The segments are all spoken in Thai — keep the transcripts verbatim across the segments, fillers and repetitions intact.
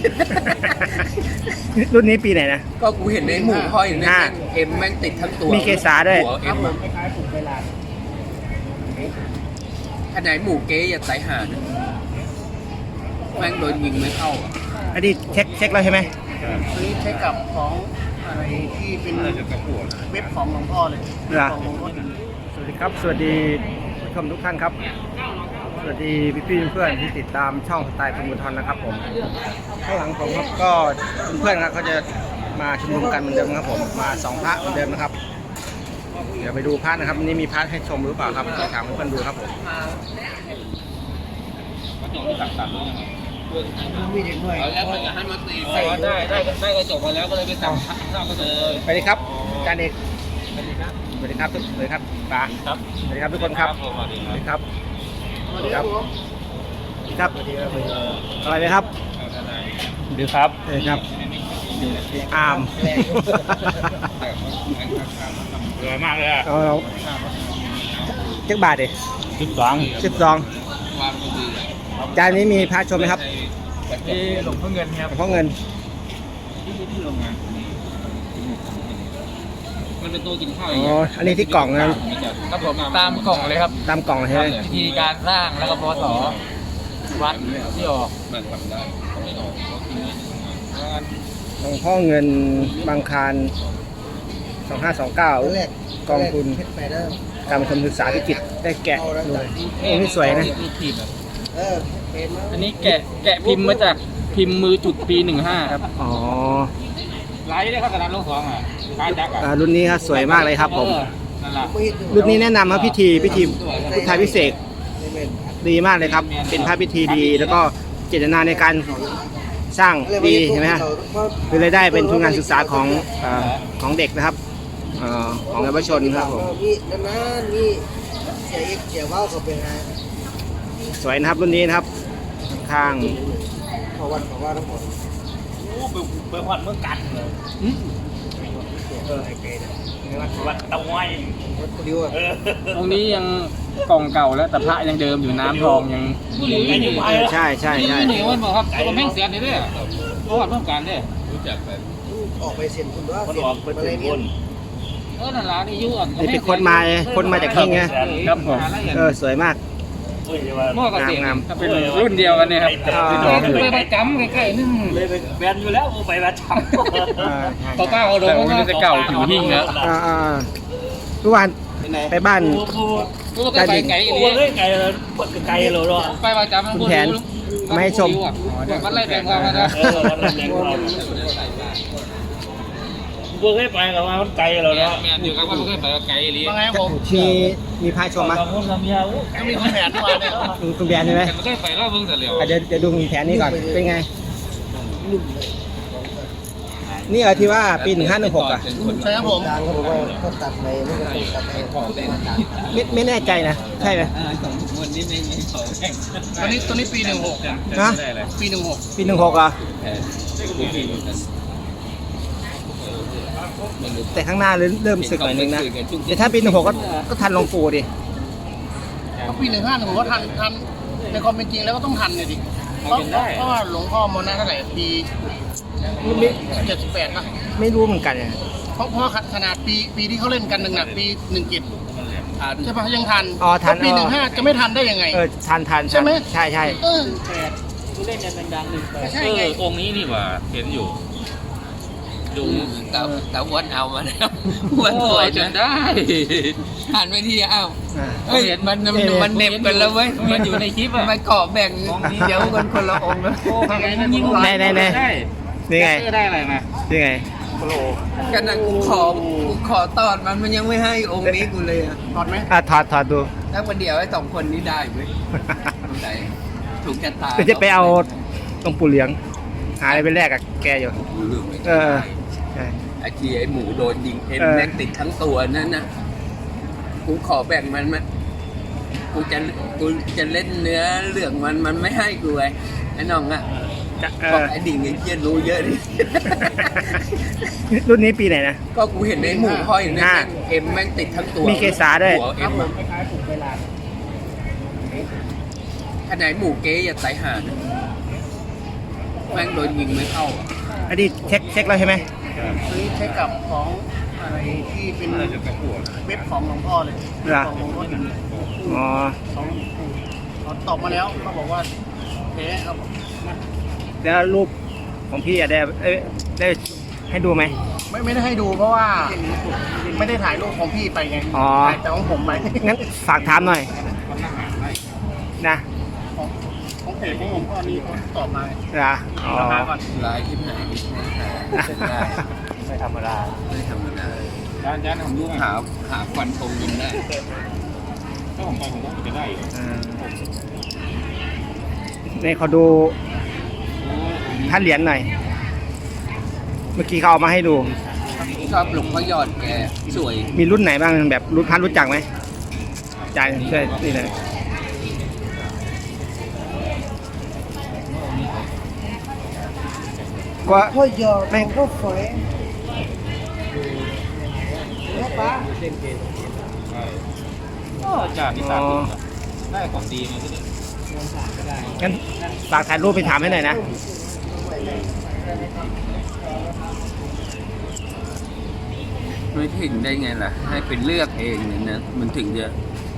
รุ่นนี้ปีไหนนะก็กูเห็นในหมู่ห้อยในเอ็มแม่งติดทั้งตัวมีเกสาด้วยหัวเอ็มคล้ายๆปลูกเวลาขนาดหมู่เก๊อย่าสายหาดแม่งโดนยิงไม่เข้าอันนี้เช็คเช็คแล้วใช่ไหมอันนี้เช็คกับของอะไรที่เป็นเว็บของหลวงพ่อเลยของหลวงพ่อสวัสดีครับสวัสดีผู้ชมทุกท่านครับสวัสดีพี่พี่เพื่อนที่ติดตามช่องสไตล์คุณบุญธรนะครับผมข้างหลังผมครับก็เพื่อนๆครับเขาจะมาชุมนุมกันเหมือนเดิมครับผมมาสองพระเหมือนเดิมนะครับเดี๋ยวไปดูพระนะครับวันนี้มีพระให้ชมหรือเปล่าครับถามเพื่อนๆดูครับผมมีเด็กด้วยแล้วมันจะให้มาตีได้ได้ได้ได้กระจกมาแล้วก็เลยไปสั่งข้าวกระจกเลยไปดีครับอาจารย์เอกสวัสดีครับสวัสดีครับป๋าครับสวัสดีครับทุกคนครับสวัสดีครับสวัสดีครับครับอะไรไหมครับดีครับเออครับอามสวยมากเลยอ่ะเอาเจ็ดบาทดิสิบสองสิบสองจานนี้มีพระชมไหมครับที่หลวงพ่อเงินครับหลวงพ่อเงินมันเป็นตัวกินข้าวอ๋ออันนี้ที่กล่องนะครับผมตามกล่องเลยครับตามกล่องใช่ไหมวิธีการสร้างแล้วก็พศวัดที่ออกมันทำได้หลวงพ่อเงินบางคารสองห้าสองเก้ากองทุนการชมศึกษาธิกิจได้แกะด้วยโอ้นี่สวยนะอันนี้แกะแกะพิมพ์มาจากพิมพ์มือจุดปีหนึ่งห้าครับอ๋อลายได้เข้าสนามลงสองอ่ะลายจักอ่ารุ่นนี้ครับสวยมากเลยครับผมรุ่นนี้แนะนำครับพิธีพิธีพุทธาพิเศษดีมากเลยครับเป็นพระพิธีดีแล้วก็เจตนาในการสร้างดีใช่ไหมฮะคือรายได้เป็นทุนการศึกษาของของเด็กนะครับของเยาวชนครับผมสวยนะครับรุ่นนี้นะครับข้างขอวันขอว่าทั้งหมดโอ้เปิดวันเมื่อกันเลยเออไอ้เกย์วัดวัดตะไวตรงนี้ยังกล่องเก่าแล้วแต่พระยังเดิมอยู่น้ำทองยังใช่ใช่ใช่นี่วันบอกครับตัวแม่งเสียนี่ด้วยเพราะว่าเพิ่มการด้วยรู้จักไปออกไปเซ็นคุณว่าเซ็นออกไปเซ็นคุณเออนั่นละนี่ยุ่งนี่เป็นคนมาคนมาจากที่ไงครับผมเออสวยมากหม้อกับเสียงเป็นรุ่นเดียวกันเนี่ยครับไปไปจำใกล้ๆนึงเลยแบนอยู่แล้วไปมาจำต่อป้าเขาโดนมันจะเก่าผิวหิ้งแล้วทุกวันไปบ้านไก่ไก่ไก่เลยไก่เลยไก่เลยไปมาจำคุณแผนไม่ให้ชมวันไรแต่งความนะบัวเคยไปกับว่ามันไกลเราเนาะแม่อยู่กับว่าเคยไปกับไกลลีมีมีพายชมไหมมีคุณแผนด้วยเนี่ยคุณแผนใช่ไหมเคยไปแล้วเพิ่งเสร็จแล้วเดี๋ยวเดี๋ยวดูคุณแผนนี่ก่อนเป็นไงนี่เหรอที่ว่าปีหนึ่งห้าหนึ่งหกอ่ะใช่ครับผมเขาตัดไปไม่ไม่แน่ใจนะใช่ไหมตัวนี้ตัวนี้ปีหนึ่งหกนะปีหนึ่งหกปีหนึ่งหกอ่ะแต่ข้างหน้าเริ่มสึกหน่อยนึงนะแต่ถ้าปีหนึ่งหกก็ทันหลวงปู่ดิปีหนึ่งห้าหนึ่งหกก็ทันทันในความเป็นจริงแล้วก็ต้องทันเลยดิเพราะเพราะว่าหลวงพ่อมรณะเท่าไหร่ปีเจ็ดสิบแปดนะไม่รู้เหมือนกันเนี่ยเพราะเพราะขนาดปีปีที่เขาเล่นกันหนึ่งหนักปีหนึ่งเจ็ดใช่ปะยังทันอ๋อทันปีหนึ่งห้าจะไม่ทันได้ยังไงเออทันทันใช่ไหมใช่ใช่เออผู้เล่นกันดังๆหนึ่งแปดใช่ไงองค์นี้นี่ว่าเห็นอยู่ดูแต่แต่วันเอามาแล้ววันสวยจนได้หันไปที่เอ้าเฮ้ยมันมันเน็บกันแล้วเว้ยมันอยู่ในคลิปอะมันเกาะแบ่งเดี๋ยวคนคนละองค์นะได้ได้ได้นี่ไงได้อะไรมานี่ไงกันนะกูขอกูขอตอดมันมันยังไม่ให้องค์นี้กูเลยอะถอดไหมอ่ะถอดถอดดูถ้าวันเดียวไอ้สองคนนี้ได้เว้ยถูกชะตาจะไปเอาตรงปู่เหลียงหาอะไรไปแลกกับแกอยู่เออไอ้ที่ไอ้หมูโดนยิงเอ็นแม่งติดทั้งตัวนั่นนะกูขอแบ่งมันมันกูจะกูจะเล่นเนื้อเหลืองมันมันไม่ให้กูไอ้ไอ้น้องอ่ะบอกไอ้ดิ่งไอ้เจี๊ยรู้เยอะดิรุ่นนี้ปีไหนนะก็กูเห็นในหมู่ห้อยในเอ็มแม่งติดทั้งตัวมีเกสาด้วยหัวเอ็มขนาดหมู่เก๊อย่าสายหาดแม่งโดนยิงไม่เข้าอ่ะอันนี้เช็คเช็คแล้วใช่ไหมซื้อเช็คกับของอะไรที่เป็นเว็บของหลวงพ่อเลยเหรอของหลวงพ่ออยู่อ๋อสองเขาตอบมาแล้วเขาบอกว่าแพ้เอามาแล้วรูปของพี่อะได้เอ้ยได้ให้ดูไหมไม่ไม่ได้ให้ดูเพราะว่าไม่ได้ถ่ายรูปของพี่ไปไงอ๋อถ่ายแต่ของผมไปงั้นฝากถามหน่อยนะของของเพจของผมก็นี่เขาตอบมาเหรออ๋อราคาก่อนลายที่ไหนไม่ได้ไม่ธรรมดาไม่ธรรมดาจานจานผมรู้หาหาควันตรงยิงได้ถ้าผมไปผมก็จะได้อยู่นี่เขาดูท่านเหรียญหน่อย เมื่อกี้เขาเอามาให้ดูชอบหลวงพ่อยอดแกสวยมีรุ่นไหนบ้างแบบรุ่นพันรู้จักไหมจ่ายช่วยนี่เลยก็พ่อยอดไม่ก็ฝอยแม่ป้าก็จากที่สามได้ของดีมาก็ได้งั้นฝากถ่ายรูปไปถามให้หน่อยนะไม่ถึงได้ไงล่ะ ให้เป็นเลือกเองเนี่ยนะมันถึงจะ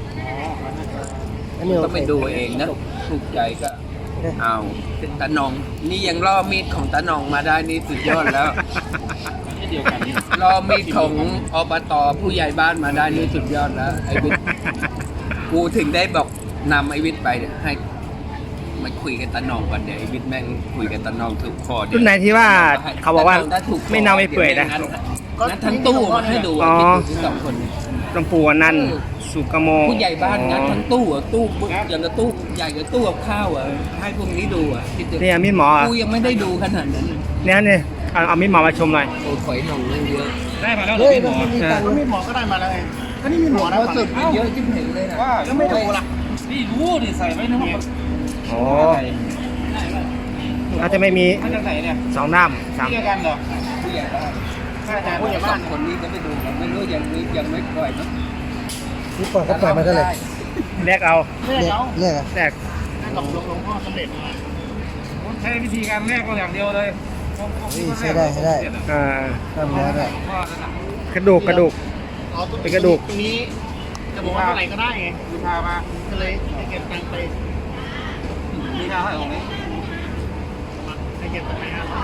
ก็ไปดูเองนะถูกใจก็เอาตาหนองนี่ยังล่อมีดของตาหนองมาได้นี่สุดยอดแล้วเดียวกันล่อมีดของอบตผู้ใหญ่บ้านมาได้นี่สุดยอดแล้วไอ้วิทย์กูถึงได้บอกนำไอ้วิทย์ไปเนี่ยให้มาคุยกับตาหนองก่อนเดี๋ยวไอ้วิทย์แม่งคุยกับตาหนองถูกคอเดี๋ยวรุ่นไหนที่ว่าเขาบอกว่าตหนงถ้ถูคอไม่เน่าไม่เปื่อยนะงั้นทั้งตู้มาให้ดูอ๋อที่สองคนหลวงปู่อนันต์สุกโมผู้ใหญ่บ้านงั้นทั้งตู้อ่ะตู้อย่างกับตู้ใหญ่กับตู้กับข้าวอ่ะให้พวกนี้ดูอ่ะที่เนี่ยมีดหมออ่ะกูยังไม่ได้ดูขนาดนั้นเนี่ยเนี่ยเอาเอามีดหมอมาชมหน่อยโอ้ยข่อยหนองเรื่องเยอะได้มาแล้วเหรอพี่หมอก็มีหมอก็ได้มาแล้วไงก็นี่มีหมอนะสุดเยอะจิ้มเห็นเลยนะว่าแล้วไม่ดูล่ะนี่รู้ดิใส่ไว้ในห้องโอ้เราจะไม่มีท่านจะใส่เนี่ยสองด้ามสามที่เดียวกันเหรอผู้ใหญ่บ้านถ้าอาจารย์ผู้ใหญ่สบ้าอน งคนนี้จะไปดูกันไม่รู้ยังไม่ยังไม่ปล่อยเนอะนี่ปล่อยเขาปล่อยมาเท่าไหร่แลกเอาเรียกเขาเรียกอะแลกกับหลวงพ่อสำเร็จใช้วิธีการแรกก็อย่างเดียวเลยนี่ใช้ได้ใช้ได้อ่าทำแล้วได้กระดูกกระดูก เป็นกระดูกตรงนี้จะบอกว่าเท่าไหร่ก็ได้ไงดูพามาก็เลยให้เก็บตังค์ไปมีค่าเท่าไหร่ของนี้ให้เก็บตังค์ไปห้าร้อย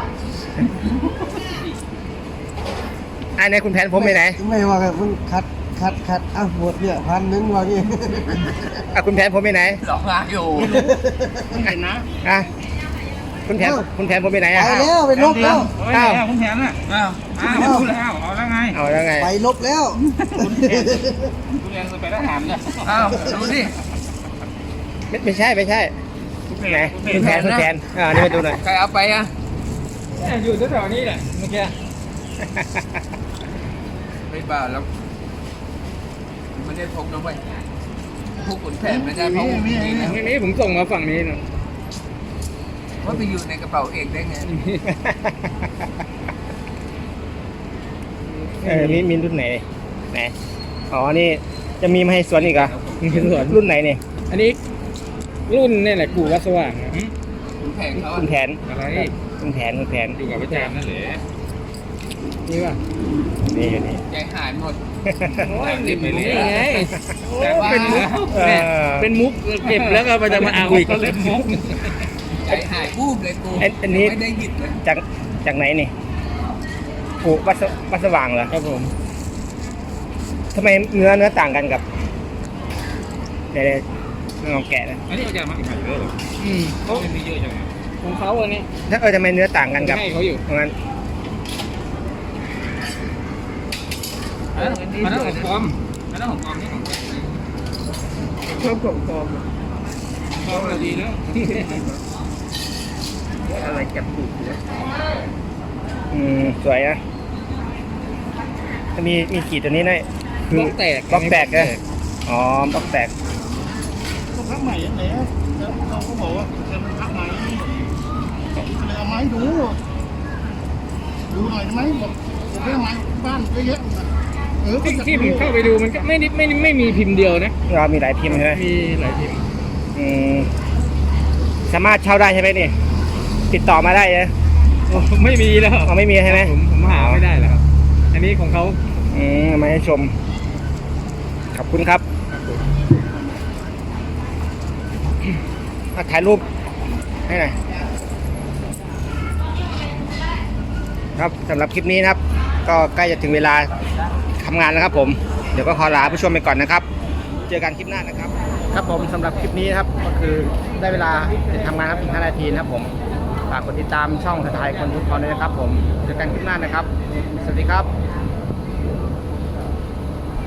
ไอ้ในคุณแผนผมไปไหนไม่ว่ากันเพิ่งคัดคัดคัดอ่ะหมดเนี่ยพันนึงว่านี่อ่ะคุณแผนผมไปไหนหลอกลาอยู่ไม่เห็นนะอ่ะคุณแผนคุณแผนผมไปไหนไปอ่ะแล้วไปลบแล้วอ้าวคุณแผนอ่ะอ้าวอ้าวรู้แล้วเอาแล้วไงเอาแล้วไงไปลบแล้วคุณแผนไปทหารเนี่ยอ้าวดูดิไม่ไม่ใช่ไม่ใช่ไหนคุณแผนคุณแผนอ่านี่มาดูหน่อยใครเอาไปอ่ะอยู่แถวๆนี้แหละเมื่อกี้ไม่บ้าแล้วไม่ได้พกนะเว้ยพกขุนแผนไม่ได้พกนี่นะทีนี้ผมส่งมาฝั่งนี้นะว่าไปอยู่ในกระเป๋าเองได้ไงเออมีมีรุ่นไหนไหนอ๋อนี่จะมีมาให้สวนอีกเหรอรุ่นไหนเนี่ยอันนี้รุ่นนี่แหละกูวัดสว่างนะขุนแผนเขาคุณแผนอะไรคุณแผนคุณแผนอยู่กับอาจารย์นั่นแหละนี่ป่ะนี่อยู่นี่ใจหายหมดโอ้ยรีบไปเลยนี่ไงแต่ว่าเป็นมุกเออเป็นมุกเก็บแล้วก็ไปจะมาเอาอีกเล่นมุกใจหายบูบเลยกูอันอันนี้ไม่ได้หยิบเลยจากจากไหนนี่ปูวัดสวัดสว่างเหรอครับผมทำไมเนื้อเนื้อต่างกันกับเดี๋ยวลองแกะนะอันนี้อาจารย์มาอีกเยอะเลยอืมเขามีเยอะจังของเขาอันนี้ถ้าเออทำไมเนื้อต่างกันกับให้เขาอยู่ตรงนั้นอันนั้นของปลอมอันนั้นของปลอมนี่ของแท้ชอบของปลอมปลอมดีแล้วอะไรจับปูดอืมสวยนะจะมีมีขีดตัวนี้ด้วยคือบล็อกแตกบล็อกแตกเลยอ๋อบล็อกแตกก็พักใหม่ยังไงแล้วเขาก็บอกว่าจะพักใหม่เลยเอาไม้ดูดูหน่อยได้ไหมบอกผมได้ไม้บ้านเยอะๆเออที่ที่ผมเข้าไปดูมันก็ไม่ได้ไม่ไม่มีพิมพ์เดียวนะเรามีหลายพิมพ์ใช่ไหมมีหลายพิมพ์อืมสามารถเช่าได้ใช่ไหมนี่ติดต่อมาได้เลยไม่มีแล้วอ๋อไม่มีใช่ไหมผมผมหาไม่ได้แล้วครับ อันนี้ของเขาอืมเอามาให้ชม ขอบคุณครับอ่ะถ่ายรูปให้หน่อยครับสำหรับคลิปนี้นะครับ ก็ใกล้จะถึงเวลาทำงานแล้วครับผม เดี๋ยวก็ขอลาผู้ชมไปก่อนนะครับ เจอกันคลิปหน้านะครับ ครับผมสำหรับคลิปนี้นะครับก็คือได้เวลาจะทำงานครับอีกห้านาทีนะครับผมฝากกดติดตามช่องสไตล์คนทุกคนด้วยนะครับผมเจอกันคลิปหน้านะครับ สวัสดีครับ